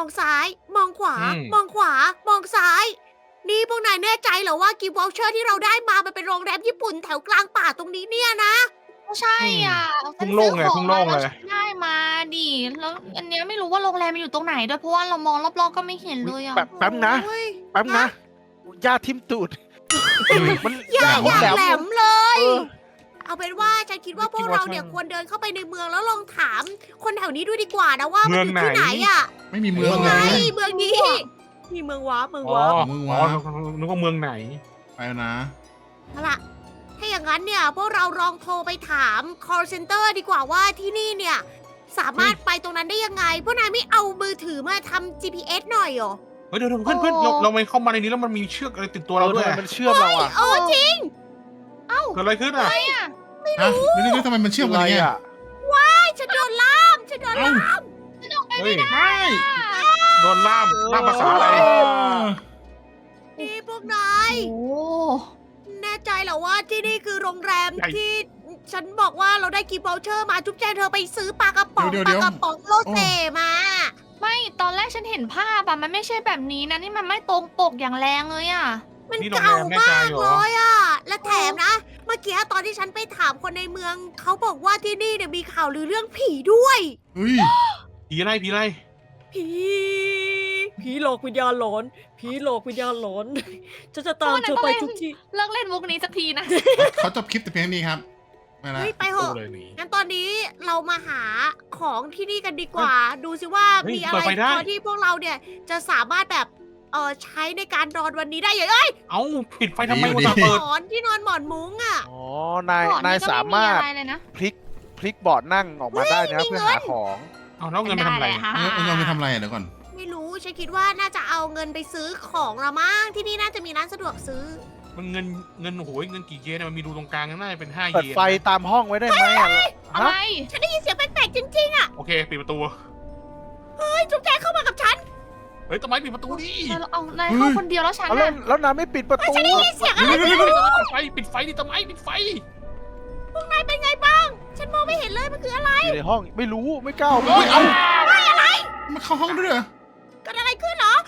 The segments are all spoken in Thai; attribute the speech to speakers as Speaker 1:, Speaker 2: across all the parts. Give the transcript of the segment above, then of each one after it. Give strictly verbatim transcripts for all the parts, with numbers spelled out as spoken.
Speaker 1: องซ้าย มองขวา
Speaker 2: อืม
Speaker 1: มองขวา มองซ้าย นี่พวกนายแน่ใจเหรอว่ากิฟต์วอลเชอร์ที่เราได้มามันเป็นโรงแรมญี่ปุ่นแถวกลางป่าตรงนี้เนี่ยนะ
Speaker 3: ก็ใช่อ่ะ
Speaker 2: ทุ่งโล่งเลย
Speaker 3: ฉัน
Speaker 2: ทุ่
Speaker 3: ซื้
Speaker 2: ง
Speaker 3: อ
Speaker 2: โล่ง
Speaker 3: ขอ
Speaker 2: เล
Speaker 3: มาย แล้วฉันได้มาดิแล้วอันเนี้ยไม่รู้ว่าโรงแรมมันอยู่ตรงไหนด้วยเพราะว่าเรามองรอบๆก็ไม่เห็นเลยอ่ะ
Speaker 4: แบบแป๊บนะ
Speaker 1: โอ้ย
Speaker 4: แป๊บนะหญ้าทิ่มตูด มัน
Speaker 1: อยาก
Speaker 4: ห
Speaker 1: อยาก
Speaker 4: แหลม
Speaker 1: แหลมเลย
Speaker 4: เออ
Speaker 1: เอาเป็นว่าฉันคิดว่าพวก
Speaker 2: คิดว่า
Speaker 1: เราเนี่ย
Speaker 2: ช่าง
Speaker 1: ควรเดินเข้าไปในเมืองแล้วลองถาม คนแถวนี้ด้วยดีกว่านะว่ามันอยู่
Speaker 2: เมือง
Speaker 1: ที่ไห
Speaker 2: ไห
Speaker 1: น
Speaker 2: น
Speaker 1: อ่ะ
Speaker 5: ไม่มีเมือง
Speaker 1: ไง
Speaker 5: เลย
Speaker 1: เมืองนี้มีเมืองว้าเมือง
Speaker 2: อ๋อ
Speaker 1: ว้า
Speaker 5: มึง
Speaker 2: อ๋
Speaker 5: วะ
Speaker 2: อนึกว่าเมืองไหน
Speaker 5: ไปแล้วนะ
Speaker 1: เอาล่ะ ถ้าอย่างนั้นเนี่ยพวกเราลองโทรไปถาม call center ดีกว่าว่าที่นี่เนี่ยสามารถไปตรงนั้นได้ยังไง พวกนายไม่เอามือถือมาทำ จี พี เอส หน่อยเหรอ
Speaker 2: เฮ้ยเดี๋ยวเดี๋ยวเพื่อนเพื่อนเราเราไม่เข้ามาในนี้แล้วมันมีเชือกอะไรติดตัวเราด้วย
Speaker 4: ทำไมมันเชื่อมเราอ่ะ
Speaker 1: เออจริง
Speaker 2: เกิดอะไรขึ้นอ่ะ
Speaker 5: ฮะเดี๋ยวเดี๋ยวทำไมมันเชื่อมกันอย่างเงี้ย
Speaker 4: อะไรอะ
Speaker 1: ฉันโดนล่ามฉันโดน
Speaker 5: เอ้า
Speaker 1: ล่าม
Speaker 2: เฮ้ย
Speaker 5: ไม่
Speaker 2: โดนล่ามล่ามภาษาอะไร
Speaker 5: เออ
Speaker 1: นี่พวกนาย
Speaker 3: โอ้
Speaker 1: แน่ใจเหรอว่าที่นี่คือโรงแรม
Speaker 2: ใช่
Speaker 1: ที่ฉันบอกว่าเราได้กิฟต์วอลเชอร์มาจุ๊บแจงเธอไปซื้อปลากระป๋อง
Speaker 5: เดี๋ยว
Speaker 1: ป
Speaker 5: เดี๋
Speaker 1: ลา
Speaker 5: ยว
Speaker 1: กระป๋องโลเซมา
Speaker 3: ไม่ตอนแรกฉันเห็นภาพอะมันไม่ใช่แบบนี้นะนี่มันไม่ตรงปกอย่างแรงเลยอะ
Speaker 1: มัน
Speaker 2: นี่โรงแร
Speaker 1: เก่าม
Speaker 2: แน่ใจ
Speaker 1: มาก
Speaker 2: เหรอ
Speaker 1: เลยอ่ะ และแถมนะ เมื่อกี้ตอนที่ฉันไปถามคนในเมือง เขาบอกว่าที่นี่เนี่ยมีข่าวลือเรื่องผีด้วย
Speaker 5: เฮ้ย
Speaker 2: ผีอะไรผีอะไร
Speaker 1: ผี ผีหลอกวิญญาณหลอน ผีหลอกวิญญาณหลอน ฉันจะตามเธอไปทุกที่
Speaker 3: เลิกเล่นมุกนี้สักทีนะ
Speaker 5: เขาจบคลิปแต่เพียงนี้ครับไปละ
Speaker 1: เฮ้ยไปเห
Speaker 2: ตู้
Speaker 1: อะ
Speaker 2: เลยนี่
Speaker 1: งั้นตอนนี้เรามาหาของที่นี่กันดีกว่า ดูสิว่า
Speaker 2: เฮ้ย
Speaker 1: มีอะไร
Speaker 2: เปิดไฟได้
Speaker 1: พอที่พวกเราเนี่ยจะสามารถแบบเออใช้ในการนอนวันนี้ได้อย่างเอ้ย
Speaker 2: เอ้าปิดไฟทำไมวะตาเปิด
Speaker 1: หมอนที่นอนหมอนมุ้งอ่ะ
Speaker 4: อ๋อนาย
Speaker 3: ก่อน
Speaker 4: นาย
Speaker 3: ก็
Speaker 4: สามารถ
Speaker 3: ไอะไรเลยนะ
Speaker 4: พลิกพลิกเบาะนั่งออกมาได้นะ
Speaker 1: เฮ้ยมี
Speaker 4: เพื่อ
Speaker 1: เงิน
Speaker 4: หาของ
Speaker 2: เอาแล้วเงินไปทำอะไร
Speaker 3: ด้เลยค่ะ
Speaker 5: เออเอาเงินไปทำอะไรอ่ะเดี๋ยวก่อน
Speaker 1: ไม่รู้ฉันคิดว่าน่าจะเอาเงินไปซื้อของละมั้งที่นี่น่าจะมีร้านสะดวกซื้อ
Speaker 2: มันเงินเงินโอ้โหเงินกี่เยนเนี่ยมันมีรูตรงกลางน่าจะเป็นห้าเย
Speaker 4: เปิด
Speaker 2: น
Speaker 4: ไฟตามห้องไว้ได้ไหมอะ
Speaker 3: อะไร
Speaker 4: ฮะ
Speaker 1: ฉันได้ยินเสียงแปลกๆจริงๆอ่ะ
Speaker 2: โอเคปิดประตู
Speaker 1: เฮ้ยจุ๊บแจงเข้ามากับฉัน
Speaker 2: เฮ้ยทำไมปิดประตูดิ
Speaker 3: เราเอานายเข้าคนเดียวแล้วฉัน
Speaker 4: เอาแล้ว
Speaker 3: น่ะ
Speaker 4: แล้วนายไม่ปิดประตู
Speaker 1: ฉันได้ยินเสียงอะไร
Speaker 2: ปิดไฟปิดไฟดิทำไมปิดไฟ
Speaker 1: พวกนายเป็นไงบ้าง ฉันมองไม่เห็นเลยมันคืออะไร
Speaker 4: อยู่ในห้องไม่รู้ไม่กล้า
Speaker 2: เฮ้ยเอา
Speaker 5: มาเข้าห้องด้วยเหรอ
Speaker 1: เกิดอะไรขึ้นเหรอ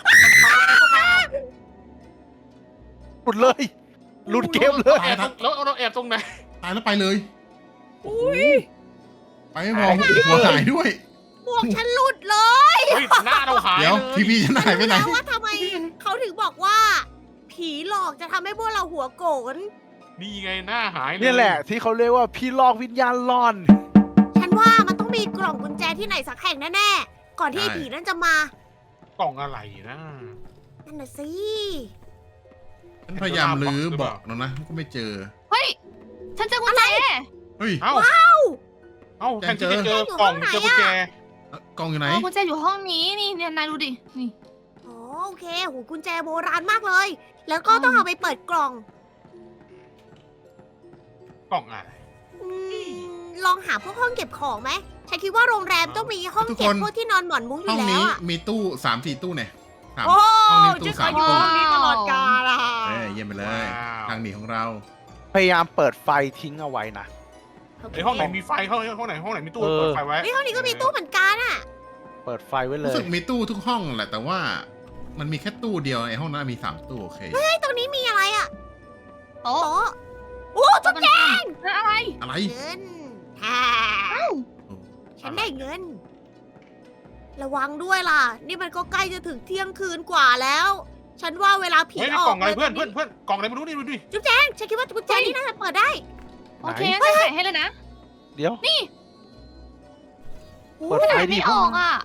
Speaker 4: หลุดเลยหลุดเกมเลย
Speaker 2: แอบตรงแล้วเราแอบตรงไหน
Speaker 5: ตายแล้วไปเลย
Speaker 1: อุ้ย
Speaker 5: ไปไม่พอหัวหายด้วย
Speaker 1: หมวกฉันหลุดเลย
Speaker 2: เฮ้ยหน้าเราหาย
Speaker 5: เดี๋ยว
Speaker 2: เลย
Speaker 5: ทีวีฉันหายไปไหน
Speaker 1: รู้แล้วว่าทำไมเขาถึงบอกว่า ผีหลอกจะทำให้พวกเราหัวโกน
Speaker 2: นี่ไงหน้าหายเลย
Speaker 4: เนี่ยแหละที่เขาเรียกว่าพี่ลอกวิญญาณล่อน
Speaker 1: ฉันว่ามันต้องมีกล่องกุญแจที่ไหนสักแห่งแน่ๆ ก่อนที่ไอ้
Speaker 5: ใช่
Speaker 1: ผีนั่นจะมา
Speaker 2: กล่องอะไรนะ
Speaker 1: นั่นน่ะสิ
Speaker 5: ฉันพยายามลื้อเบอกแล้วนะก็ไม่เจอ
Speaker 3: เฮ้ยฉันเจอกุญแจ
Speaker 5: เฮ้ย
Speaker 2: เอ้าเอ้าแทนที่จะเจอกล่องเจอกุญแจ
Speaker 5: เอ้ากล้องอยู่ไหน
Speaker 3: เออกุญแจอยู่ห้องนี้นี่เนี่ยนายดูดินี่
Speaker 1: อ๋อโอเคโหกุญแจโบราณมากเลย แล้วก็ต้องเอาไปเปิดกล่อง
Speaker 2: กล่องอะไร
Speaker 1: อืมลองหาพวกห้องเก็บของไหมฉันคิดว่าโรงแรมต้องมีห้องเก็บพวกที่นอนหมอนมุ้งอ
Speaker 5: ห้อยู่ ง
Speaker 1: แล้
Speaker 5: นี้
Speaker 1: วอะ
Speaker 5: มีตู้สามสี่ตู้เนี่ยสาม
Speaker 1: โอ้
Speaker 5: ห้องนี้ตู้
Speaker 1: ฉันเค
Speaker 5: สาม
Speaker 1: ยอยู่
Speaker 5: ตู้
Speaker 1: ห้องนี้ตลอดกาลอะ
Speaker 5: เอ้ยเยี่ยมไปเลย ทางหนีของเรา
Speaker 4: พยายามเปิดไฟทิ้งเอาไว้นะ
Speaker 1: โเค
Speaker 2: ไอห้องไหนมีไฟห้องห้องไหนห้องไหนมีตู้
Speaker 4: เออ
Speaker 2: เปิดไฟไว้
Speaker 1: เฮ้ยห้องนี้ก็มีตู้เหมือนกันอะ
Speaker 4: เปิดไฟไว้เล
Speaker 5: รู้
Speaker 4: ย
Speaker 5: สึกมีตู้ทุกห้องแหละแต่ว่ามันมีแค่ตู้เดียวไอ้ห้องนั้นมีสามตู้โอเค
Speaker 1: เฮ้ยตรงนี้มีอะไรอะ
Speaker 3: โต๊ะ
Speaker 1: โต๊ะโอ้จุ๊บแจง
Speaker 3: อะไร
Speaker 5: อะไร
Speaker 1: เงินฮ่าฉันได้เงิน ระวังด้วยล่ะ นี่มันก็ใกล้จะถึงเที่ยงคืนกว่าแล้ว ฉันว่าเวลาผี
Speaker 2: เฮ้ย
Speaker 1: อ
Speaker 2: นี่
Speaker 1: อก
Speaker 2: ล่องอะไรเพื่อน
Speaker 1: ย
Speaker 2: เพื่อนเพื่อนกล่องอะไรไม่รู้นี่ดูดิ
Speaker 1: จุ๊บแจงฉันคิดว่ากุญแจนี่น่าจะเปิดได้
Speaker 3: โอเคงั้นฉันใส่ให้เลยนะ
Speaker 4: เดี๋ยว
Speaker 1: โอ้
Speaker 4: เปิด
Speaker 3: ไม่
Speaker 4: ไฟ
Speaker 3: ได้
Speaker 4: ดิ
Speaker 3: ไม่ออกอ่ะ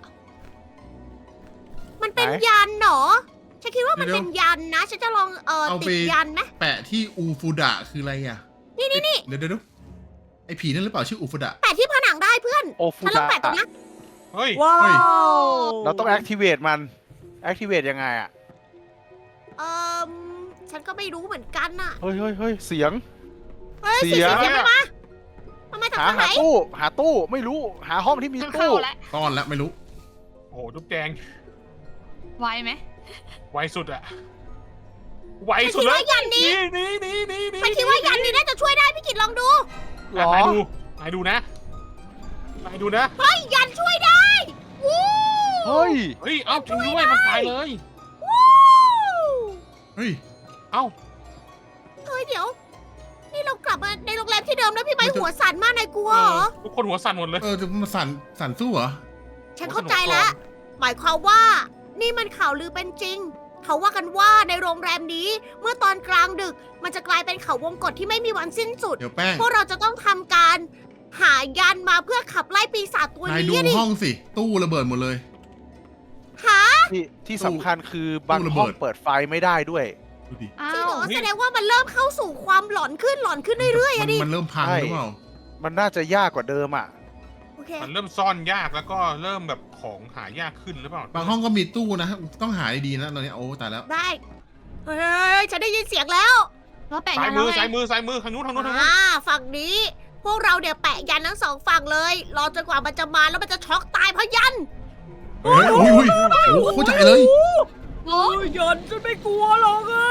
Speaker 1: มันเป็น
Speaker 4: ไหน
Speaker 1: ยันเหรอ ฉันคิดว่ามัน
Speaker 5: เดี๋ยว
Speaker 1: เป็นยันนะ ฉันจะลองเอ่อ
Speaker 5: เอา
Speaker 1: ติ
Speaker 5: ไป
Speaker 1: ดยันไหม
Speaker 5: แปะที่อูฟูดะคืออะไรอ่ะ
Speaker 1: นี่นี่นี่
Speaker 5: เดี๋ยวเดี๋ยวเดี๋ยวไอ้ผีนั่นหรือเปล่าชื่ออูฟูดะ
Speaker 1: แปะที่ผนังได้เพื่อน
Speaker 4: โอฟู
Speaker 1: ฉันลอง
Speaker 4: ดะ
Speaker 1: แปะตรงนี้
Speaker 2: เฮ้ย
Speaker 1: ว้า
Speaker 5: เฮ้ย
Speaker 1: ว
Speaker 4: เราต้อง activate มัน activate ยังไงอ่ะ
Speaker 1: เอ่อฉันก็ไม่รู้เหมือนกันน่ะ
Speaker 4: เฮ้ยเฮ้ยเฮ้ยเสียง
Speaker 1: เฮ้ย
Speaker 4: เสี
Speaker 1: เสีย
Speaker 4: ย
Speaker 1: งเสียงมันมามันมาจาก
Speaker 4: หา
Speaker 1: ทางไหน
Speaker 4: หาตู้ หาตู้ไม่รู้ หาห้องที่มี
Speaker 3: ฉัน
Speaker 4: ตู้
Speaker 3: เข้าแล้ว
Speaker 5: ซ่อนแล้วไม่รู้
Speaker 2: โอ้โหจุ๊บแจง
Speaker 3: ไวไหม
Speaker 2: ไวสุดอะไว
Speaker 1: ฉัน
Speaker 2: สุด
Speaker 1: คิด
Speaker 2: เลย
Speaker 1: ว่ายันนี้
Speaker 2: นี่นี่นี่นี่
Speaker 1: ฉันคิดว่ายันนี้น่าจะช่วยได้พี่กิตลองดู
Speaker 4: หรอ
Speaker 2: นายดูนายดูนะนายดูนะ
Speaker 1: เฮ้ยยันช่วยได้วู้
Speaker 4: เฮ้ย
Speaker 2: เฮ้ย เอ้าจริงด้วยมันตายเลย
Speaker 5: เฮ้ย
Speaker 2: เอ้า
Speaker 1: เฮ้ยเดี๋ยว นี่เรากลับมาในโรงแรมที่เดิมแล้วพี่ไม้หัวสั่นมากนายกลัวเหรอ
Speaker 2: ทุกคนหัวสั่นหมดเลย
Speaker 5: เออจะมาสั่นสั่นสู้เหรอ
Speaker 1: ฉันเข้าใจแล้ว หมายความว่า นี่มันข่าวลือเป็นจริง เขาว่ากันว่าในโรงแรมนี้ เมื่อตอนกลางดึก มันจะกลายเป็นเขาวงกตที่ไม่มีวันสิ้นสุด
Speaker 5: เดี๋ยวแป้ง
Speaker 1: พวกเราจะต้องทำการหายันมาเพื่อขับไล่ปีศาจตัวน
Speaker 5: ายดู
Speaker 1: นี้อะดิ
Speaker 5: ห้องสิ ตู้ระเบิดหมดเลย
Speaker 1: หา
Speaker 4: ที่ที่สำคัญคือบาง
Speaker 5: ตู้ระ
Speaker 4: ห้
Speaker 5: เบิ
Speaker 4: อง
Speaker 5: ด
Speaker 4: เปิดไฟไม่ได้ด้วย
Speaker 5: ดูดิ
Speaker 3: อ้า
Speaker 1: จริงเหร
Speaker 3: ว
Speaker 1: อแสดงว่ามันเริ่มเข้าสู่ความหลอนขึ้นหลอนขึ้นเรื่อยๆ
Speaker 5: มั
Speaker 1: อะ
Speaker 5: น
Speaker 1: ดิ
Speaker 5: มันเริ่มพัง
Speaker 4: ใช่
Speaker 5: หรือเปล่า
Speaker 4: มันน่าจะยากกว่าเดิมอ่ะ
Speaker 1: โอเค
Speaker 2: มันเริ่มซ่อนยากแล้วก็เริ่มแบบของหายากขึ้นหรือเปล่า
Speaker 5: บางห้องก็มีตู้นะ ต้องหาดีๆนะตอนนี้โอ้ตายแล้ว
Speaker 1: ได้เฮ้ยฉันได้ยินเสียงแล้ว
Speaker 3: แล้วแปะ
Speaker 2: ซ้า
Speaker 3: ยั
Speaker 2: ย
Speaker 3: น
Speaker 2: มื
Speaker 3: แล้ว
Speaker 2: อ
Speaker 3: ไง
Speaker 2: ซ้ายมือซ้ายมือทางนู้นทางนู้นทางนู้น
Speaker 1: อ่าฝั่งนี้ พวกเราเนี่ยแปะยันทั้งสองฝั่งเลย รอจนกว่ามันจะมาแล้วมันจะช็อกตายเพราะยัน
Speaker 5: เฮ้ยอุ้ยอุ้ยโอ้เข้าใจเลย
Speaker 3: โอ้ย
Speaker 1: ยันฉันไม่กลัวหรอกอะ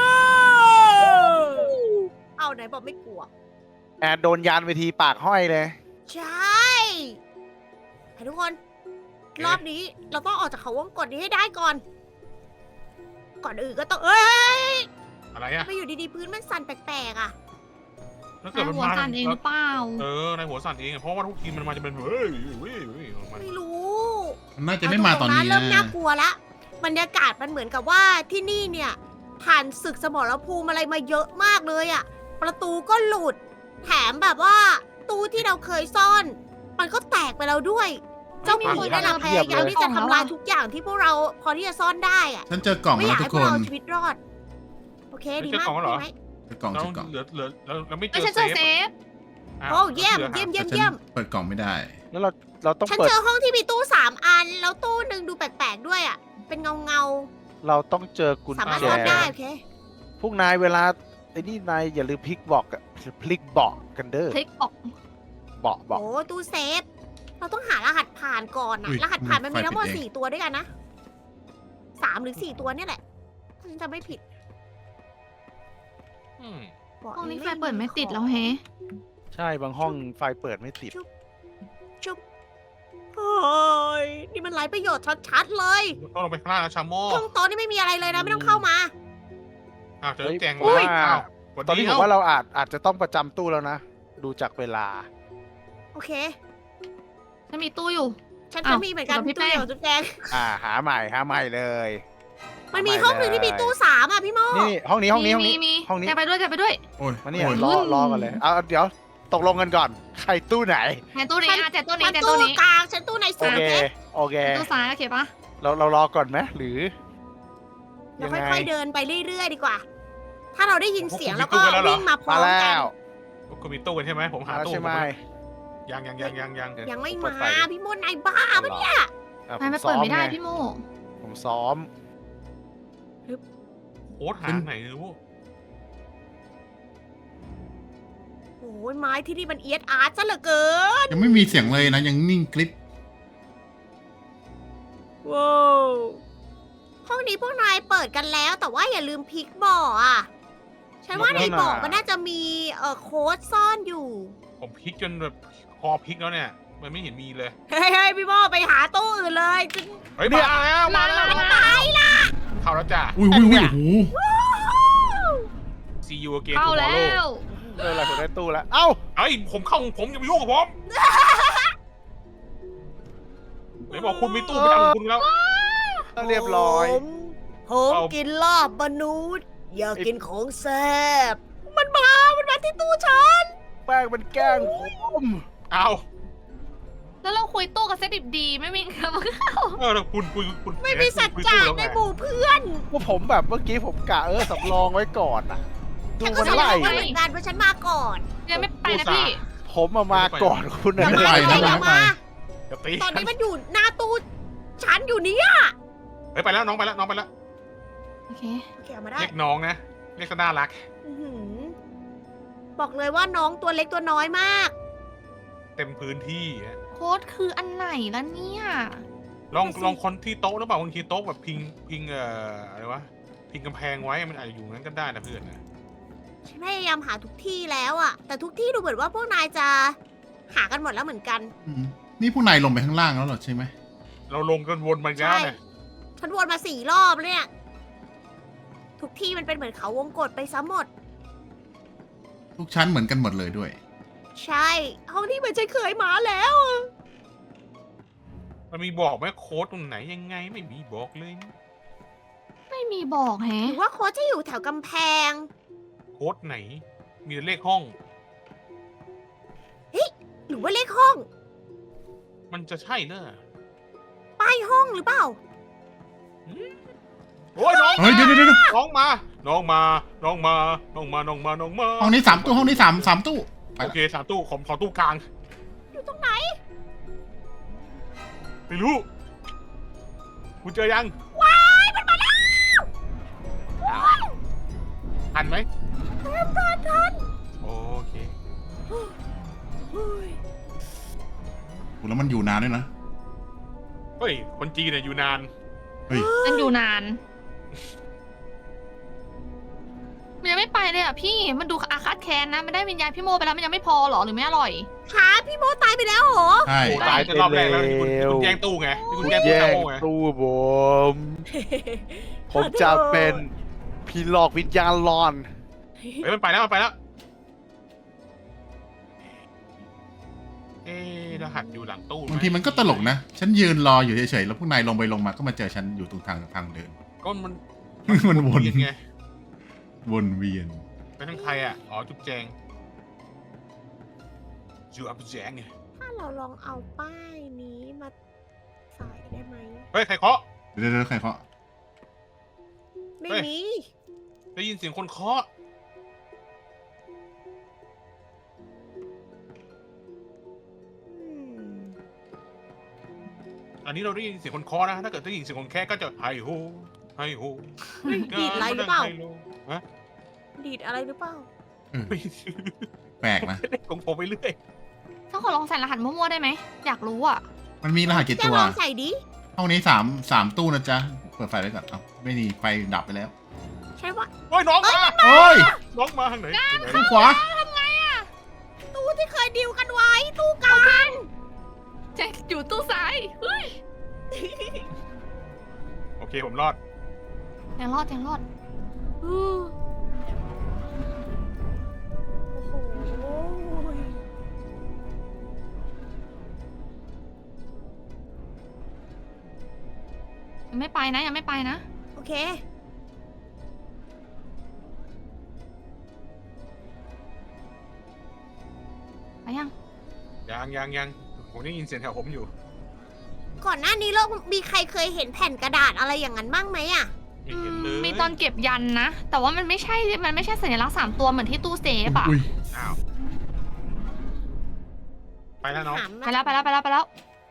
Speaker 1: เอาไหนบอกไม่กลัว
Speaker 4: แอนโดนยานไปทีปากห้อยเลย
Speaker 1: ใช่ให้ทุกคน รอบนี้เราต้องออกจากเขาวงกตนี้ให้ได้ก่อน ก่อนอื่นก็ต้องเอ้ย
Speaker 2: อะไรอะ
Speaker 1: ไม่อยู่ดีๆพื้นมันสั่นแปลกๆอ่ะ
Speaker 2: ถ้าเกิด
Speaker 3: นาย
Speaker 2: มัน
Speaker 3: หัว
Speaker 2: มา
Speaker 3: สั่นเองหรือเปล่า
Speaker 2: เออในหัวสั่นเองอะเพราะว่าทุกทีมันมาจะเป็นเฮ้ยเฮ้ยเฮ้ยออกมา
Speaker 1: ไม่รู้
Speaker 5: มันน่าจะไม่มาตอนนี้
Speaker 1: เริ่
Speaker 5: นะ
Speaker 1: มน่ากลัวละบรรยากาศมันเหมือนกับว่าที่นี่เนี่ยผ่านศึกสมรภูมิอะไรมาเยอะมากเลยอะประตูก็หลุด แถมแบบว่า ตู้ที่เราเคยซ่อน มันก็แตกไปแล้วด้วย เจ้าหมีนั่นนะพยายามที่จะทำลายทุกอย่างที่พวกเราพอที่จะซ่อนได้อะ
Speaker 5: ฉันเจอกล่อง
Speaker 1: ไม่อ
Speaker 5: แล้
Speaker 1: ยาว ก
Speaker 5: ทุ
Speaker 1: ให้
Speaker 5: ก คน
Speaker 1: พวกเราชีวิตรอด โอเคดีมากดีไหม
Speaker 5: เจอกล่อง
Speaker 2: เรา
Speaker 5: เจอกล่อง
Speaker 2: เหลือเหลือเราเราไม่เจ
Speaker 3: ไม่
Speaker 2: อ
Speaker 3: ใช่เจอ
Speaker 2: เซ
Speaker 3: เซ
Speaker 2: ฟ
Speaker 3: ฟ
Speaker 2: อ้าว
Speaker 1: โอ้เยี่ยม
Speaker 2: หลือ
Speaker 1: เยี่ยม
Speaker 5: แต่
Speaker 1: เยี่ยม
Speaker 5: ฉัน
Speaker 1: เยี่ยม
Speaker 5: เปิดกล่องไม่ได้
Speaker 4: แล้วเราเราต้อง
Speaker 1: ฉัน
Speaker 4: เปิด
Speaker 1: เจอห้องที่มีตู้สามอัน แล้วตู้หนึ่งดูแปลกๆด้วยอะเป็นเงาเงา
Speaker 4: เราต้องเจอกุญ
Speaker 1: ๆสามารถ
Speaker 4: แจ
Speaker 1: ซ่อนได้โอเค
Speaker 4: พวกนายเวลาไอ้นี่นายอย่าลืมพลิกบอกอะพลิกเบาะกันเด้อ
Speaker 3: คลิกออก
Speaker 4: เบาะเบาะ
Speaker 1: โอ้ตู้เซฟ เราต้องหารหัสผ่านก่อนนะ
Speaker 5: อุ๊ย
Speaker 1: รหัสผ่านมันมี
Speaker 5: ไฟ
Speaker 1: ทั้งหมด
Speaker 5: ปิดเอง
Speaker 1: สี่ตัวด้วยกันนะสามหรือสี่ตัวเนี่ยแหละฉันจะไม่ผิด
Speaker 2: อืม
Speaker 1: บอก
Speaker 3: ห้องนี้ไฟ
Speaker 1: ลย
Speaker 3: เปิดไม่ติดแล้วเฮ้
Speaker 4: ใช่บางห้องไฟเปิดไม่ติด
Speaker 1: จุ๊บโอ้ยนี่มันไร้ประโยชน์ชัดๆเลย
Speaker 2: ต้องลงไปข้างล่างแล้วชาโม่
Speaker 1: ห้องโต๊ะนี่ไม่มีอะไรเลยนะ ไม่ต้องเข้ามา
Speaker 2: อ้าวเจอ
Speaker 4: เฮ้ย
Speaker 2: แจง
Speaker 4: อุ้ย
Speaker 2: อ้าวสวัส
Speaker 4: ตอน
Speaker 2: ดี
Speaker 4: นี้ผม
Speaker 2: เอ้า
Speaker 4: ว่าเราอาจอาจจะต้องประจำตู้แล้วนะ ดูจากเวลา
Speaker 1: โอเค
Speaker 3: ฉันมีตู้อยู่
Speaker 1: ฉัน
Speaker 3: อ้าว
Speaker 1: จะมีเหมือนกัน
Speaker 3: อยู่กับพี่
Speaker 1: ตู้
Speaker 3: แป้ง
Speaker 1: เดียวจุ๊บแจง
Speaker 4: อ่าหาใหม่หาใหม่เลย
Speaker 1: มันมีห้องหนึ่งที่มีตู้สามอ่ะพี่โม
Speaker 4: นี่ห้องนี้ห้องนี้ห้อง
Speaker 3: มี
Speaker 4: นี้
Speaker 3: มี
Speaker 4: ห้องนี้
Speaker 3: แกไปด้วยแกไปด้วย
Speaker 5: โอ้ย
Speaker 4: มาเนี่ย
Speaker 5: โอ้ย
Speaker 4: รอรอกันเลยเอาเดี๋ยวตกลงกันก่อน ใครตู้ไหน
Speaker 3: แกตู้นี้อ่ะแจตู้นี้
Speaker 1: ฉัน
Speaker 3: แจ
Speaker 1: ตู้
Speaker 3: ตู้นี้
Speaker 1: กลางฉันตู้ใน
Speaker 4: โอ
Speaker 1: สาม
Speaker 4: เค
Speaker 1: โอเค
Speaker 4: โอเค
Speaker 3: ตู้ซ้ายโอเคปะ
Speaker 4: เราเรารอก่อนไหมหรือ
Speaker 1: เรา
Speaker 4: ยังไง
Speaker 1: ค่อยๆเดินไปเรื่อยๆดีกว่า ถ้าเราได้ยินเสียงแล้วก็
Speaker 2: พวกคุณมีตู้กันแล้วเหรอ
Speaker 1: วิ่งมาพร้อ
Speaker 4: มาม
Speaker 1: กั
Speaker 4: แล้
Speaker 1: น
Speaker 4: ว
Speaker 2: ก็มีตู้กันใช่ไหมผมหา
Speaker 4: มาแล้ว
Speaker 2: ตู้
Speaker 4: ใช่ไหม
Speaker 2: ยังยังยังยังยัง
Speaker 1: ยังไม่
Speaker 4: เปิ
Speaker 1: มา
Speaker 4: ดไฟ
Speaker 1: พี่โมนายบ้าปะเนี่ย
Speaker 4: อ่ะ
Speaker 3: ทำไม
Speaker 4: ผม
Speaker 3: เปิดไม่ได้
Speaker 4: ซ้อ
Speaker 3: พี่โม
Speaker 4: ผมซ้อม
Speaker 2: โค้ดหาไหนไม่รู้
Speaker 1: โอ้ยไม้ที่นี่มันเอียดอาร์ตซะเหลือเกิน
Speaker 5: ยังไม่มีเสียงเลยนะ ยังนิ่งกริบ
Speaker 1: ว้าวห้องนี้พวกนายเปิดกันแล้ว แต่ว่าอย่าลืมพลิกบ่ออ่ะ ฉันว่าในบ่อมันน่าจะมีเอ่อโค้ดซ่อนอยู่
Speaker 2: ผมพลิกจนแบบคอพลิกแล้วเนี่ย มันไม่เห็นมีเลย
Speaker 1: เฮ้ยเฮ้ยพี่โมไปหาตู้อื่นเลยจริง
Speaker 2: เฮ้ยมาแล้วมาแล้ว
Speaker 3: มา
Speaker 1: ตายละ
Speaker 2: เข้าแล้วจ้ะ
Speaker 5: อุ้ยอุ้ยอุ้ยโอ้โห
Speaker 2: ซีอูเกม
Speaker 3: เข้า
Speaker 2: ทูมอ
Speaker 3: แล้
Speaker 2: ร์โล
Speaker 3: ว
Speaker 4: เอออะไรผมได้ตู้แล้ว เอ้า
Speaker 2: เอ้ยผมเข้าของผมอย่ามายุ่งกับผมไหนบอกคุณมีตู้ประจำของคุณแล้ว
Speaker 4: เรียบร้อย
Speaker 1: ผมผม
Speaker 2: เอา
Speaker 1: กินลาบมนุษย์ อยากกินของแซ่บมันมา มันมาที่ตู้ฉัน
Speaker 4: แป้งมันแกล้งผม
Speaker 2: เอา
Speaker 3: แล้วเราคุยตู้กับเซตดิบดีไม่มีครับ
Speaker 2: เออแล้วคุณคุณคุณ
Speaker 1: ไม่มีสัจ
Speaker 2: คุณ
Speaker 1: จะ
Speaker 2: คุยตู้
Speaker 1: ใน
Speaker 2: แล้วไง
Speaker 1: หมู่เพื่อน
Speaker 4: ว่าผมแบบเมื่อกี้ผมกะเออสำรองไว้ก่อนอ่ะ ดู
Speaker 1: ฉันก็
Speaker 4: มัน
Speaker 1: จะ
Speaker 4: ไล่
Speaker 1: บอกว่าเหมือนกันว่าฉันมาก่อน
Speaker 3: ยังไม่ไปนะพี่
Speaker 4: ผมมามาก่อนคุณ
Speaker 1: อย่า
Speaker 4: นะ
Speaker 1: มา
Speaker 5: ไป
Speaker 1: เล
Speaker 5: นะ
Speaker 1: ยอย่า
Speaker 5: ไป
Speaker 1: มา
Speaker 2: อย่าตี
Speaker 1: ตอนนี้มันอยู่หน้าตู้ฉันอยู่เนี่ย
Speaker 2: เฮ้ยไปแล้วน้องไปแล้วน้องไปแล้ว
Speaker 3: โอเค
Speaker 1: โอเคเอามาได้
Speaker 2: เรียกน้องนะเรียกซะน่ารัก
Speaker 1: อื้อหือบอกเลยว่าน้องตัวเล็กตัวน้อยมาก
Speaker 2: เต็มพื้นที่ฮะ
Speaker 3: โค้ดคืออันไหนล่ะเนี่ย
Speaker 2: ลอง
Speaker 1: นั่นน่ะสิ
Speaker 2: ลองคนที่โต๊ะหรือเปล่าบางทีโต๊ะแบบพิงพิงเอ่ออะไรวะพิงกำแพงไว้มันอาจจะอยู่นั้นก็ได้นะเพื่อนนะ
Speaker 1: ฉันพยายามหาทุกที่แล้วอะแต่ทุกที่ดูเหมือนว่าพวกนายจะหากันหมดแล้วเหมือนกัน
Speaker 5: อืมนี่พวกนายลงไปข้างล่างแล้วเหรอใช่ไหม
Speaker 2: เราลงกันวนมันแล้วเนี่ย
Speaker 1: ฉันวนมาสี่รอบแล้วเนี่ย ทุกที่มันเป็นเหมือนเขาวงกตไปซะหมด
Speaker 5: ทุกชั้นเหมือนกันหมดเลยด้วย
Speaker 1: ใช่ ห้องที่เหมือนฉันเคยมาแล้วอะ
Speaker 2: มันมีบอกไหมโค้ดตรงไหนยังไงไม่มีบอกเลยนะ
Speaker 3: ไม่มีบอก
Speaker 1: ห
Speaker 3: แฮะ
Speaker 1: รือว่าโค้ชจะอยู่แถวกำแพง
Speaker 2: โค้ดไหน มีแต่เลขห้อง
Speaker 1: หรือว่าเลขห้อง
Speaker 2: มันจะใช่เนอะ
Speaker 1: ป้ายห้องหรือเปล่า
Speaker 2: โอ้ยน้อง
Speaker 5: เฮ้ยเดี๋ยวเดี๋ยวเดี๋ยว
Speaker 2: น้องมา น้องมา น้องมา น้องมา น้องมา น้องมา
Speaker 5: ห้องนี้สามตู้ห้องนี้สามสามตู้ไป
Speaker 2: โอเคสามตู้ขอขอตู้กลาง
Speaker 1: อยู่ตรงไหน
Speaker 2: ไม่รู้คุณเจอยัง
Speaker 1: ว้ายมันมาแล้ว
Speaker 2: อ้าวทันไหม
Speaker 1: ทันทันทัน
Speaker 2: โอเค
Speaker 1: เฮ้ย
Speaker 5: แล้วมันอยู่นานด้วยนะ
Speaker 2: เฮ้ย คนจีนเนี่ยอยู่นาน
Speaker 5: เฮ้ย
Speaker 3: มันอยู่นาน มันยังไม่ไปเลยอ่ะพี่ มันดูอาฆาตแค้นนะ มันได้วิญญาณพี่โมไปแล้วมันยังไม่พอเหรอหรือไม่อร่อย
Speaker 1: ขาพี่โมตายไปแล้วเหรอ
Speaker 5: ใช่
Speaker 2: โอ้ตายจะรอบแรกแล้วที่คุณที่คุณแย่งตู้ไงที่คุณแย่งตู้
Speaker 4: แย่
Speaker 2: ชาง โม่ไง
Speaker 4: ตู้ผม ผมจะเป็นผีหลอกวิญญาณหลอน
Speaker 2: เฮ้ยมันไปแล้วมันไปแล้ว เอ๊ะรหัสอยู่หลังตู้ไห
Speaker 5: บางทีมันก็ตลกนะ ฉันยืนรออยู่เฉยๆแล้วพวกนายลงไปลงมาก็มาเจอฉันอยู่ตรงทางทางเดิน
Speaker 2: ก็มัน
Speaker 5: มันวน
Speaker 2: เวียไง
Speaker 5: วนเวียน
Speaker 2: ไปทางใครอ่ะ อ๋อ จุ๊บแจงจูอับแจงไง
Speaker 1: ถ้าเราลองเอาป้ายนี้มาใส่ได้ไหม
Speaker 2: เฮ้ย ใครเคาะ
Speaker 5: เดี๋ยวเดี๋ยวใครเคาะ
Speaker 1: ไม่
Speaker 2: เฮ้ย
Speaker 1: มี
Speaker 2: ได้ยินเสียงคนเคาะ
Speaker 1: อืม
Speaker 2: อันนี้เราได้ยินเสียงคนเคาะนะ ถ้าเกิดได้ยินเสียงคนแค่ก็จะไฮโฮไฮโฮ
Speaker 1: ดีดอะไรหรือเปล่า
Speaker 2: ฮะ
Speaker 1: ดีดอะไรหรือเปล่า
Speaker 2: ไม่
Speaker 5: แปลกนะ
Speaker 2: เล่นของผมไปเรื่อย
Speaker 3: ถ้าขอลองใส่รหัสมั่วๆได้ไหม อยากรู้อ่ะ
Speaker 5: มันมีรหัสกี่
Speaker 1: แก
Speaker 5: ตัว
Speaker 1: ลองใส่ดิ
Speaker 5: ห้องนี้สามสามตู้นะจ๊ะ เปิดไฟไว้ก่อน เอ้าไม่มีไฟดับไปแล้ว
Speaker 1: ใช่ว่า
Speaker 2: โอ้ยน้องมา
Speaker 5: โอ้ย
Speaker 2: น้องมาทางไหนทางไหน
Speaker 5: ข้างขวา
Speaker 1: ตู้ที่เคยดิวกันไว้ ตู้กลาง
Speaker 3: แจ็คอยู่ตู้ซ้ายเฮ้ย
Speaker 2: โอเคผมรอด
Speaker 3: ยังรอดยังรอด
Speaker 1: อือโอ้โห
Speaker 3: ยังไม่ไปนะยังไม่ไปนะ
Speaker 1: โอเค
Speaker 3: ไปยัง
Speaker 2: ยังยังยังผมได้ยินเสียงแถวผมอยู่
Speaker 1: ก่อนหน้านี้เรามีใครเคยเห็นแผ่นกระดาษอะไรอย่างนั้นบ้างไหมอะ
Speaker 2: ไม่เห็นเลย
Speaker 3: มีตอนเก็บยันนะ แต่ว่ามันไม่ใช่ มันไม่ใช่สัญลักษณ์สามตัวเหมือนที่ตู้เซฟอะ
Speaker 5: อุ้ย
Speaker 2: อ้าว ไปแล้วน้อง
Speaker 1: ถาม
Speaker 3: ไปแล้วไปแล้วไปแล้วไปแล้ว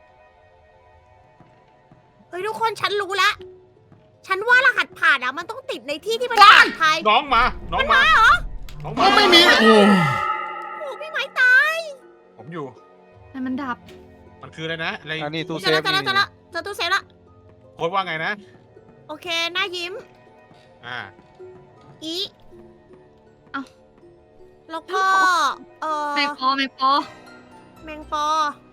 Speaker 1: เฮ้ยทุกคนฉันรู้แล้ว ฉันว่ารหัสผ่านอะมันต้องติดในที่ที่มันปลอดภัย
Speaker 2: น้องมา น้องมา น้องมา
Speaker 5: ก็ไม่มี โอ้
Speaker 1: โอ้พี่ไม้ตาย
Speaker 2: ผมอยู่
Speaker 3: แต่มันดับ
Speaker 2: มันคืออะไรนะ อะไร
Speaker 4: อันนี้ตู้
Speaker 1: เจอแล้วเจอแล้วเจอแล้วเจอตู้เซฟแล้ว
Speaker 2: โค้ดว่าไงนะ
Speaker 1: โอเคหน้ายิ้ม
Speaker 2: อ่า
Speaker 1: อี
Speaker 3: เอ้า
Speaker 1: แล้วก็ เออ
Speaker 3: ไม่พอไม่พอ
Speaker 1: แมงปอ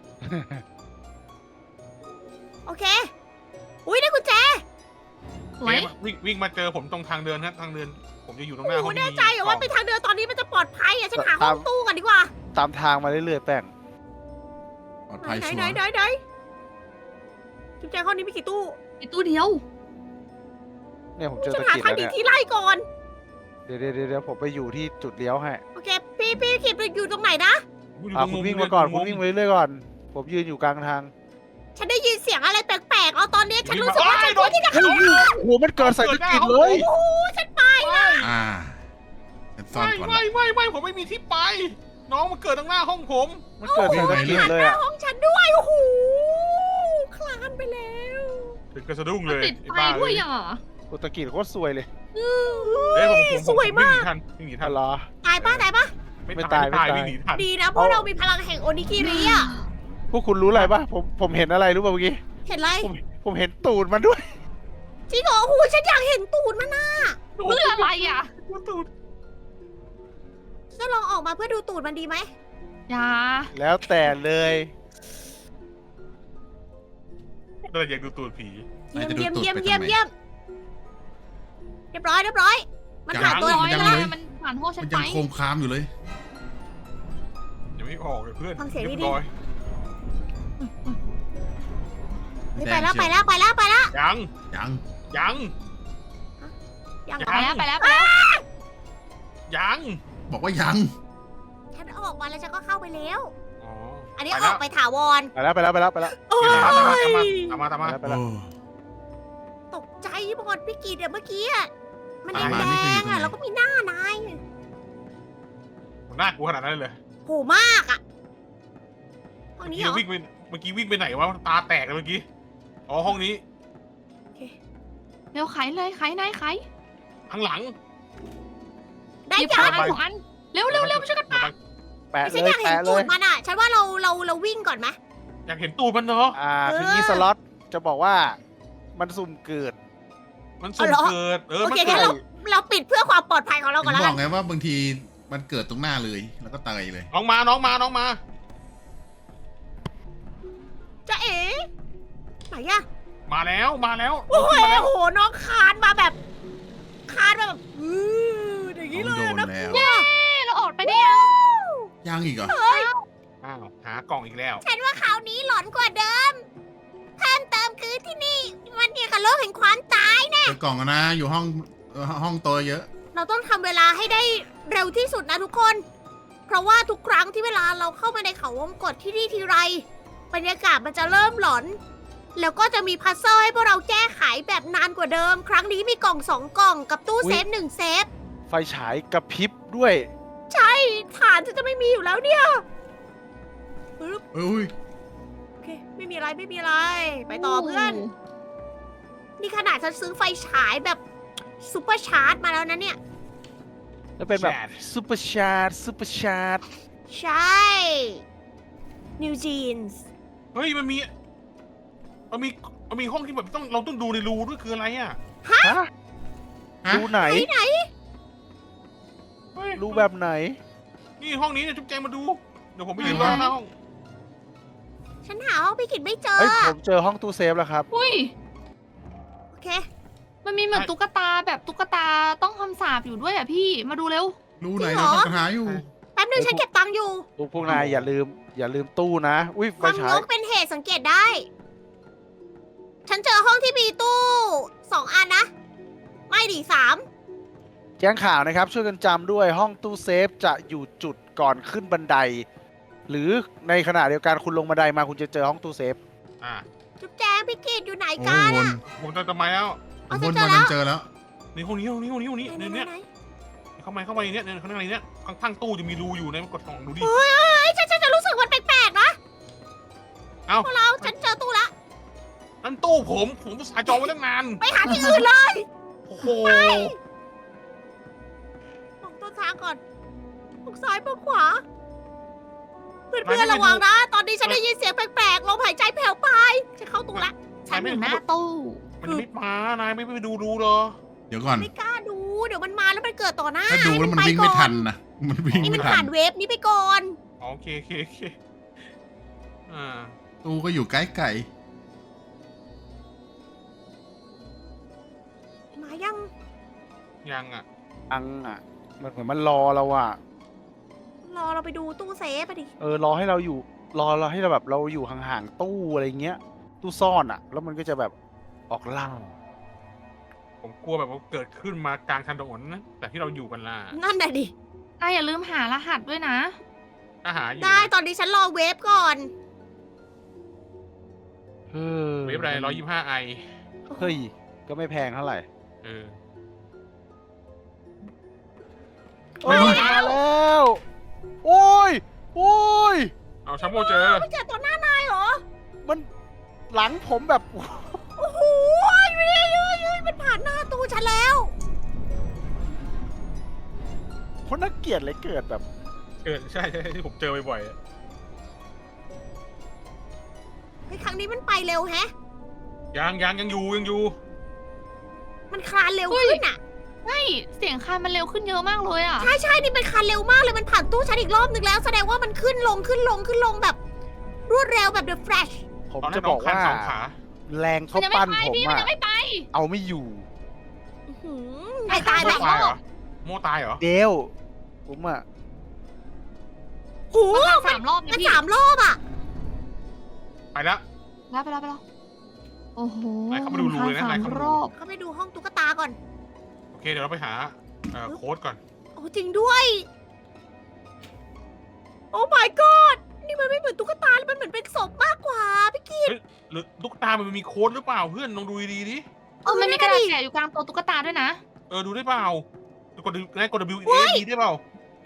Speaker 1: โอเค อุ้ยได้กุญแจ
Speaker 3: สวย
Speaker 2: วิ่งวิ่งมาเจอผมตรงทางเดินครับทางเดิน ผมจะอยู่ตรงหน้า
Speaker 1: โอ้
Speaker 2: ห้
Speaker 1: โห
Speaker 2: อง
Speaker 1: แน่ใจเหรอว่าเป็นทางเดินตอนนี้มันจะปลอดภัยอะฉันหา
Speaker 4: ตา
Speaker 1: ห้อ
Speaker 4: ม
Speaker 1: งตู้ก่อนดีกว่า
Speaker 4: ตามทางมาเรื่อยๆแป้ง
Speaker 5: ปลอด
Speaker 1: ไหน
Speaker 5: ภัย
Speaker 1: ไหน
Speaker 5: ชัว
Speaker 1: ไหน
Speaker 5: ร์
Speaker 1: ไหนไหนจุ๊บแจงห้องนี้มีกี่ตู้
Speaker 3: มีตู้เดียว
Speaker 4: เนี่ยผมเจอ
Speaker 1: ฉัน
Speaker 4: ตะ
Speaker 1: หา
Speaker 4: กิด
Speaker 1: ทาง
Speaker 4: แล้ว
Speaker 1: หนี
Speaker 4: เนี่ย
Speaker 1: ที่ไล่ก่อน
Speaker 4: เดี๋ยวเดี๋ยวเดี๋ยวผมไปอยู่ที่จุดเลี้ยวให้
Speaker 1: โอเค พี่พี่ขีดไปอยู่ตรงไหนนะ
Speaker 2: อยู่
Speaker 4: อ่า
Speaker 2: ตร
Speaker 4: คุณ
Speaker 2: มุ
Speaker 4: วิ่ง
Speaker 2: เดิ
Speaker 4: มาก่อน
Speaker 2: ต
Speaker 4: คุ
Speaker 2: ร
Speaker 4: ณ
Speaker 2: มุ
Speaker 4: วิ่งไปเรื่อยๆก่อน ผมยืนอยู่กลางทาง
Speaker 1: ฉันได้ยินเสียงอะไรแปลกๆ เอาตอนนี้ฉันรู้สึกว่าฉัน
Speaker 2: โด
Speaker 1: ควร
Speaker 2: น
Speaker 1: ที่จะ
Speaker 4: โอ้โหโอ้โหมันเกิดใส่ตะกิดเลย
Speaker 1: โอ้โหฉันไป
Speaker 5: อ่าฉันซ่อน
Speaker 2: ไม่
Speaker 5: ก่อน
Speaker 2: ไม่
Speaker 5: ละ
Speaker 2: ไม่ไม่ผมไม่มีที่ไป น้องมันเกิดตรงหน้าห้องผม
Speaker 4: มันเกิดใส่ตะกิดเลย
Speaker 1: หน้า
Speaker 4: อ่ะ
Speaker 1: ห้องฉันด้วย โอ้โห คลานไปแล้ว
Speaker 2: ถึงกระสะดุ้ง
Speaker 3: มั
Speaker 2: เล
Speaker 3: น
Speaker 2: ย
Speaker 3: ติด
Speaker 2: ไอ้
Speaker 3: ไฟ
Speaker 2: บ้า
Speaker 3: ด้วย
Speaker 2: เลย
Speaker 3: อ่ะ
Speaker 4: โอ้ตะกิดโคตรสวยเลย
Speaker 2: เอ้ยผมผมผม
Speaker 1: สวยมาก
Speaker 2: วิ่งหนีทันวิ่งหนีทั
Speaker 4: อะ
Speaker 2: น
Speaker 4: ไรอ
Speaker 1: ตายป้าตายป้า
Speaker 2: ไม่
Speaker 4: ไม่
Speaker 2: ตาย
Speaker 4: ตาย
Speaker 2: ไม่ตาย
Speaker 4: ไม่ตาย
Speaker 2: วิ่งหนีทัน
Speaker 1: ดีนะเพราะเรามีพลังแห่งโอนิกิริอ่ะ
Speaker 4: พวกคุณรู้อะไรป่ะ ผมผมเห็นอะไรรู้ป่ะเมื่อกี้
Speaker 1: เห็นไร
Speaker 4: ผมผมเห็นตูดมันด้วย
Speaker 1: จริงเหรอโอ้โหฉันอยากเห็นตูดมันนะ
Speaker 3: เพื่ออะไรอ่ะ
Speaker 2: ตูด
Speaker 1: จะลองออกมาเพื่อดูตูดมันดีไหม
Speaker 3: อย่า
Speaker 4: แล้วแต่เลย
Speaker 1: โ
Speaker 2: เราอยากดูตูดผี
Speaker 1: เยี่ยม
Speaker 5: นายจะดู
Speaker 1: เยี่ยม
Speaker 5: ตูด
Speaker 1: เยี่ยม
Speaker 5: ไป
Speaker 1: เยี่ยม
Speaker 5: ทำไม
Speaker 1: เยี่ยมเรียบร้อยเรียบร้อย มัน
Speaker 5: ยัง
Speaker 1: ผ่านตัว
Speaker 5: ยัง
Speaker 1: น้อย
Speaker 5: ยัง
Speaker 1: แล้ว
Speaker 5: เลย
Speaker 3: มันผ่านห้องฉั
Speaker 5: มัน น
Speaker 3: ไป
Speaker 5: ยังโคมคามอยู่เลย
Speaker 2: ยังไม่ออกเลยเพื่อน
Speaker 1: ฟังเสียง
Speaker 2: รีบ
Speaker 1: ดีๆ
Speaker 2: ร้อย
Speaker 1: เฮ้ยไปแล้วไปแล้วไปแล้วไปแล้ว
Speaker 2: ยัง
Speaker 5: ยัง
Speaker 2: ยัง
Speaker 1: ยัง
Speaker 2: ยั
Speaker 3: ไป
Speaker 2: ง
Speaker 3: แล้วไปแล้วไปแล้ว
Speaker 2: ยัง
Speaker 5: บอกว่ายัง
Speaker 1: ฉันออกมาแล้วฉันก็เข้าไปแล้ว
Speaker 2: อ๋อ
Speaker 1: อันนี้
Speaker 2: ไป
Speaker 1: อ
Speaker 2: แล้ว
Speaker 1: อกไปถาวร
Speaker 4: ไปแล้วไปแล้วไปแล้วไปแล้ว
Speaker 1: โอ้
Speaker 2: ตามมาตามมาย ตามมาตาม
Speaker 4: ไป
Speaker 2: มา
Speaker 4: แล้วไปแล้ว
Speaker 5: โอ้
Speaker 1: ตกใจหมดพี่กีดอะเมื่อกี้อะมันแด
Speaker 5: ตามมานี่คืออยู่
Speaker 1: ง
Speaker 5: ตรงไหน
Speaker 1: ๆอะแล้วก็มีหน้านาย
Speaker 2: น่ากลัวขนาดนั้นเลย
Speaker 1: โหมากอะห้องนี้
Speaker 2: เมื่
Speaker 1: เหรอ
Speaker 2: อกี้วิ่งไปเมื่อกี้วิ่งไปไหนวะตาแตกเลยเมื่อกี้อ๋อห้องนี้
Speaker 3: เร็วไขเลยไขนายไข
Speaker 2: ข้างหลัง
Speaker 1: ได้
Speaker 3: หยิบ
Speaker 1: ยั
Speaker 3: คน
Speaker 1: ง
Speaker 3: ละอันสองอันเร็วเร็วเร็วช่วยกัน
Speaker 4: แปะ
Speaker 1: ฉั
Speaker 4: เล
Speaker 1: นอย ยากเห็น
Speaker 4: แปะเล
Speaker 1: จุด
Speaker 4: ย
Speaker 1: มันอะฉันว่าเราเราเราวิ่งก่อนไหม
Speaker 2: อยากเห็นตูดมันเนาะ
Speaker 4: อ่า
Speaker 1: เออ
Speaker 4: คืองี้สล็อตจะบอกว่ามันสุ่มเกิด
Speaker 2: มันสุ่ม
Speaker 1: เอาเหรอ
Speaker 2: เกิด เออ
Speaker 1: โอ
Speaker 2: มัน
Speaker 1: เค
Speaker 2: เกิ
Speaker 1: งั้น
Speaker 2: ด
Speaker 1: เราเราปิดเพื่อความปลอดภัยของเรา
Speaker 5: ถึ
Speaker 1: ก่อน
Speaker 5: ง
Speaker 1: แล้ว
Speaker 5: บ
Speaker 1: กั
Speaker 5: อน กไงว่าบางทีมันเกิดตรงหน้าเลย แล้วก็ตายเลย
Speaker 2: น้องมาน้องมาน้องมา
Speaker 1: จะเอ๋ไหนอะ
Speaker 2: มาแล้วมาแล้ว
Speaker 1: โอ้ย
Speaker 2: มาแล้ว
Speaker 1: โอ้โหน้องคานมาแบบ คานมาแบบอืออย่างนี้เลย
Speaker 5: โดน
Speaker 1: นะ
Speaker 5: แล้ว
Speaker 3: เย้เราออกไปได้ยัง
Speaker 5: ยังอีกเหรอ
Speaker 2: อ้าวหากล่องอีกแล้ว
Speaker 1: ฉันว่าคราวนี้หลอนกว่าเดิมเพิ่มเติมคือที่นี่ มันเกี่ยวกับโลกแห่งความตาย
Speaker 5: เปิดกล่องกันนะ อยู่ห้องเอ่อห้องโตวเยอะ
Speaker 1: เราต้องทำเวลาให้ได้เร็วที่สุดนะทุกคน เพราะว่าทุกครั้งที่เวลาเราเข้ามาในเขาวงกตที่นี่ทีไร บรรยากาศมันจะเริ่มหลอน แล้วก็จะมีพัซเซิลให้พวกเราแก้ไขแบบนานกว่าเดิม ครั้งนี้มีกล่องสองกล่องกับตู้เซฟหนึ่งเซฟ
Speaker 4: ไฟฉายกระพริบด้วย
Speaker 1: ใช่ฐานฉันจะไม่มีอยู่แล้วเนี่ยปึ๊บ
Speaker 5: เอ้ย
Speaker 1: โอเค ไม่มีอะไรไม่มีอะไร ไปต่อเพื่อน นี่ขนาดฉันซื้อไฟฉายแบบซูเปอร์ชาร์จมาแล้วนะเนี่ย
Speaker 4: แล้วเป็นแบบ
Speaker 2: แชท
Speaker 4: ซูเปอร์ชาร์จซูเปอร์ชาร์จ
Speaker 1: ใช่นิวจีนส์
Speaker 2: เฮ้ยมันมี มันมีมันมีห้องที่แบบต้องเราต้องดูในรูด้วยคืออะไรอ่ะ
Speaker 4: ฮะ
Speaker 5: ฮะ
Speaker 4: รูไหน
Speaker 1: ไหนไหน
Speaker 2: เฮ้ย
Speaker 4: รูแบบไหน
Speaker 2: นี่ห้องนี้เนี่ยจุ๊บแจงมาดู เดี๋ยวผมไปยืน
Speaker 5: ไหน
Speaker 2: รอ
Speaker 5: วะ
Speaker 2: หน้าห้อง
Speaker 1: ฉันหาห้องพี่กิจไม่เจอ
Speaker 4: เฮ้ยผมเจอห้องตู้เซฟแล้วครับ
Speaker 3: อุ้ย
Speaker 1: โอเค
Speaker 3: มันมีเหมือนตุ๊กตาแบบตุ๊กตาต้องคำสาปอยู่ด้วยอ่ะพี่มาดูเร็ว
Speaker 5: รู้ไหน
Speaker 1: จริงเหร
Speaker 5: เรา
Speaker 1: อ
Speaker 5: ปัญหาอยู่
Speaker 1: แป๊บนึงฉันเก็บตังค์อยู่
Speaker 4: พวกพวกนายอย่าลืม อย่าลืมตู้นะ อุ้ยไฟ
Speaker 1: ความ
Speaker 4: ฉาย
Speaker 1: งกเป็นเหตุสังเกตได้ ฉันเจอห้องที่มีตู้สองอันนะ ไม่ดิสาม
Speaker 4: แจ้งข่าวนะครับ ช่วยกันจำด้วยห้องตู้เซฟจะอยู่จุดก่อนขึ้นบันได หรือในขณะเดียวกันคุณลงบันไดมาคุณจะเจอห้องตู้เซฟ
Speaker 2: อ่า
Speaker 1: จุ๊บแจงพี่กิจอยู่ไหน
Speaker 5: โอ้
Speaker 1: กัน
Speaker 5: วน
Speaker 1: อะ
Speaker 2: ผมจะทำไมแล้ว
Speaker 1: เอา
Speaker 5: ว
Speaker 1: ฉั
Speaker 5: น
Speaker 1: น
Speaker 5: บ
Speaker 1: เจอน แล้ว
Speaker 5: เจอแล้ว
Speaker 2: นี่ห้องนี้ห้องนี้ห้องนี้ห้องนี้
Speaker 1: ไหน
Speaker 2: เนี่ย
Speaker 1: ไหน
Speaker 2: เนี่ย
Speaker 1: ไหน
Speaker 2: เข้ามาเข้ามาในเนี้ยเนี่ยข้างในเนี้ยข้างข้างตู้จะมีรูอยู่นะกดส่องดูดิ
Speaker 1: เฮ้ยเฮ้ยฉันฉันจะรู้สึกมันแปลกๆนะ
Speaker 2: เอ้า
Speaker 1: พวกเราฉันเจอตู้ละ
Speaker 2: นั่นตู้ผมผมอุตสาห์จองไว้ตั้งนาน
Speaker 1: ไปหาที่อื่นเลย
Speaker 2: โอ้โห
Speaker 1: มองต้นทางก่อนมองซ้ายมองขวา เพื่อนๆระวังนะ ตอนนี้ฉันได้ยินเสียงแปลกๆลมหายใจแผ่วไปฉันเข้าตู้ละ
Speaker 3: ฉันอยู่หน้าตู้
Speaker 2: มันยังไม่มานายไม่ไปดูรูเหรอ
Speaker 5: เดี๋ยวก่อน
Speaker 1: ไม่กล้าดู เดี๋ยวมันมาแล้วมันเกิดต่อหน้า
Speaker 5: ถ้าดูแล้วมัน
Speaker 1: ให้
Speaker 5: วิ่ง
Speaker 1: ป
Speaker 5: ไม่
Speaker 1: ก่อ
Speaker 5: ทันนะ มันวิ่ง
Speaker 1: นี่มั
Speaker 5: ไม่
Speaker 1: น
Speaker 5: ทั
Speaker 1: ผ่าน นเวฟนี้ไปก่อน
Speaker 2: อ๋อโอเคโอเคโอเคอ่า
Speaker 5: ตู้ก็อยู่ใกล้ไก่
Speaker 1: มายัง
Speaker 2: ยังอ่ะ
Speaker 4: อังอ่ะ มันเหมือนมันรอเราอ่ะ
Speaker 1: รอเราไปดูตู้เซฟไปดิ
Speaker 4: เออรอให้เราอยู่ รอเราให้เราแบบเราอยู่ห่างๆตู้อะไรเงี้ย ตู้ซ่อนอ่ะ แล้วมันก็จะแบบออกล่า
Speaker 2: ผมกลัวแบบว่าเกิดขึ้นมากลางถนนนะแต่ที่เราอยู่กันล่ะ
Speaker 1: นั่นน่ะดิ
Speaker 3: นายอย่าลืมหารหัสด้วยนะ
Speaker 2: อาหารอยู่
Speaker 1: ได้
Speaker 2: นะ
Speaker 1: ตอนนี้ฉันรอเวฟก่อน
Speaker 4: เฮ้ย
Speaker 2: เว็บอะไรร้อยยี่สิบห้าไอ
Speaker 4: เฮ้ย ก็ไม่แพงเท่าไหร่
Speaker 2: เออ
Speaker 4: โอ้ยมาแล้ว โอ้ย โอ้ย
Speaker 2: เอาชัมโบเจอ
Speaker 1: ไม่เจอต่อหน้านายเหรอ
Speaker 4: มันหลังผมแบบ
Speaker 1: โอ้โหไม่ได้เยอะเลยมันผ่านหน้าตู้ฉันแล้ว
Speaker 4: คนน่าเกลียดเลยเกิดแบบ
Speaker 2: เกิดใช่ใช่ที่ผมเจอบ่อยๆอะ
Speaker 1: เฮ้ยครั้งนี้มันไปเร็วแฮะ
Speaker 2: ยังยังยังอยู่ยังอยู่
Speaker 1: มันคลานเร็วขึ้นอ่ะ
Speaker 3: ใช่เสียงคานมันเร็วขึ้นเยอะมากเลยอ่ะ
Speaker 1: ใช่ใช่นี่มันคลานเร็วมากเลย มันผ่านตู้ฉันอีกรอบนึงแล้ว แสดงว่ามันขึ้นลงขึ้นลงขึ้นลงแบบ รวดเร็วแบบ The Flash
Speaker 4: ผม
Speaker 2: ตอนนั้
Speaker 4: จะ
Speaker 2: นน้
Speaker 4: บ
Speaker 2: อ
Speaker 4: อง ก
Speaker 2: คัน
Speaker 4: ว่า
Speaker 2: สองขา
Speaker 4: แรงเขา
Speaker 3: มันยังไม่
Speaker 4: ปั้น
Speaker 3: ไป
Speaker 4: ผม
Speaker 3: พี่มัน
Speaker 4: อะ
Speaker 3: ยังไม่ไป
Speaker 4: เอาไม่อยู่
Speaker 1: อื้อหือนายตาย
Speaker 2: โม่
Speaker 1: ไหม
Speaker 2: ตายเหรอโม่ตายเหรอ
Speaker 4: เดวผมอะ
Speaker 1: โอ้โห
Speaker 3: มันสามรอบนะ
Speaker 1: มัน
Speaker 3: พี่
Speaker 1: สามรอบอ่ะ
Speaker 2: ไปแล้ว
Speaker 3: แล้วไปแล้วไปแล้วโอ้โห
Speaker 2: นายเข้ามาดูรูเลยนะ
Speaker 3: สาน
Speaker 2: าย
Speaker 3: ม
Speaker 2: เข้ามาดู
Speaker 3: รอบ
Speaker 1: เขาไปดูห้องตุ๊กตาก่อน
Speaker 2: โอเคเดี๋ยวเราไปหาเอ่อโค้ดก่อน
Speaker 1: โอ้จริงด้วย โอ้ my god นี่มันไม่เหมือนตุ๊กตาแล้วมันเหมือนเป็นศพมากกว่าพี่กี
Speaker 2: หรือตุ๊กตามันมีโค้ดหรือเปล่าเพื่อนลองดูดีๆดิ
Speaker 3: เออมันมีกระดาษแกะอยู่กลางตัวตุ๊กตาด้วยนะ
Speaker 2: เออดูได้เปล่าดูกดนายกด W A D ได้เปล่า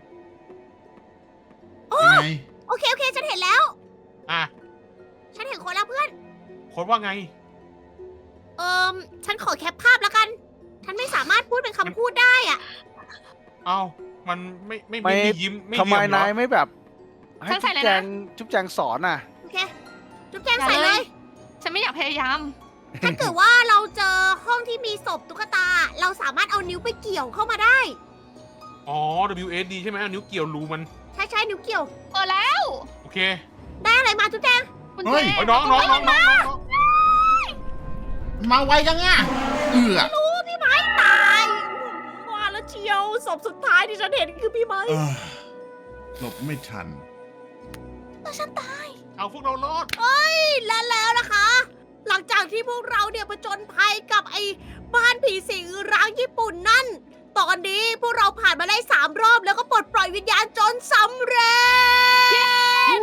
Speaker 5: ยังไง
Speaker 1: โอเคโอเคฉันเห็นแล้ว
Speaker 2: อ่ะ
Speaker 1: ฉันเห็นคนแล้วเพื่อน
Speaker 2: โค้ดว่าไง
Speaker 1: เอิมฉันขอแคปภาพแล้วกัน ฉันไม่สามารถพูดเป็นคำพูดได้อ่ะ
Speaker 2: เอ้ามันไม่ไม่
Speaker 4: ไม่
Speaker 2: ไม่ยิ้มไม่
Speaker 4: ทำไม
Speaker 2: เยี่ยมเหร
Speaker 4: นา
Speaker 2: อย
Speaker 4: ไม่แบบให้
Speaker 3: ฉันใส่
Speaker 4: จุ๊บ
Speaker 3: เลย
Speaker 4: แจ
Speaker 3: นะ
Speaker 4: งจุ๊บแจงสอนอ่ะ
Speaker 1: โอเค จุ๊บแจงใส่เลย
Speaker 3: ฉันไม่อยากพยายาม
Speaker 1: ถ้าเกิดว่าเราเจอห้องที่มีศพตุ๊กตา เราสามารถเอานิ้วไปเกี่ยวเข้ามาได้
Speaker 2: อ๋อ W A D ใช่ไหมเอานิ้วเกี่ยวรูมัน
Speaker 1: ใช่ใช่นิ้วเกี่ยว
Speaker 3: เออแล้ว
Speaker 2: โอเค
Speaker 1: ได้อะไรมาจุ๊บแจง
Speaker 3: คุณ
Speaker 5: เฮ้
Speaker 3: เจ
Speaker 5: ย
Speaker 2: เอ้ยน้องน้องน้องน้องน้อง
Speaker 5: มาไวจังอ่ะเอือ
Speaker 1: รู้พี่ไม้ตายว่าแล้วเชียวศพสุดท้ายที่ฉันเห็นคือพี่ไม้
Speaker 5: เออหลบไม่ทัน
Speaker 1: แต่ฉันตาย
Speaker 2: เอาพวกเรารอด
Speaker 1: และแล้วนะคะ หลังจากที่พวกเราเนี่ยผจญภัยกับไอ้บ้านผีสิงร้างญี่ปุ่นนั่น ตอนนี้พวกเราผ่านมาได้สามรอบแล้วก็ปลดปล่อยวิญญาณจนสำเร็จ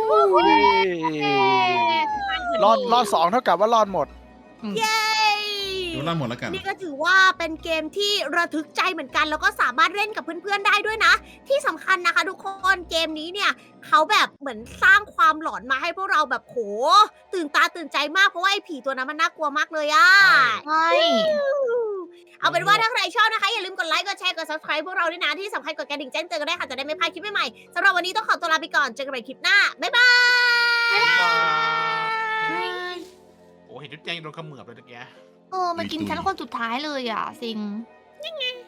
Speaker 4: รอดรอดสองเท่ากับว่ารอดหมด
Speaker 1: เย้
Speaker 5: ดูล่าหมดแล้วกัน
Speaker 1: นี่ก็ถือว่าเป็นเกมที่ระทึกใจเหมือนกัน แล้วก็สามารถเล่นกับเพื่อนๆได้ด้วยนะ ที่สำคัญนะคะทุกคนเกมนี้เนี่ยเขาแบบเหมือนสร้างความหลอนมาให้พวกเราแบบโหตื่นตาตื่นใจมากเพราะว่าไอ้ผีตัวนั้นมันน่ากลัวมากเลยอะ
Speaker 3: ใช่
Speaker 1: เอาเป็นว่าถ้าใครชอบนะคะ อย่าลืมกดไลค์กดแชร์กด subscribe พวกเราด้วยนะที่สำคัญกดกระดิ่งแจ้งเตือนกันได้วยค่ะจะได้ไม่พลาดคลิปใหม่ๆสำหรับวันนี้ต้องขอตัวลาไปก่อนเจอกันใหม่คลิปหน้าบ๊ายบาย
Speaker 2: โอ้เห็นจุ๊บแจงโดนเขมือบเลยตะเกีย
Speaker 3: เออมันกินฉันคนสุดท้ายเลยอ่ะซิง
Speaker 1: ยังไง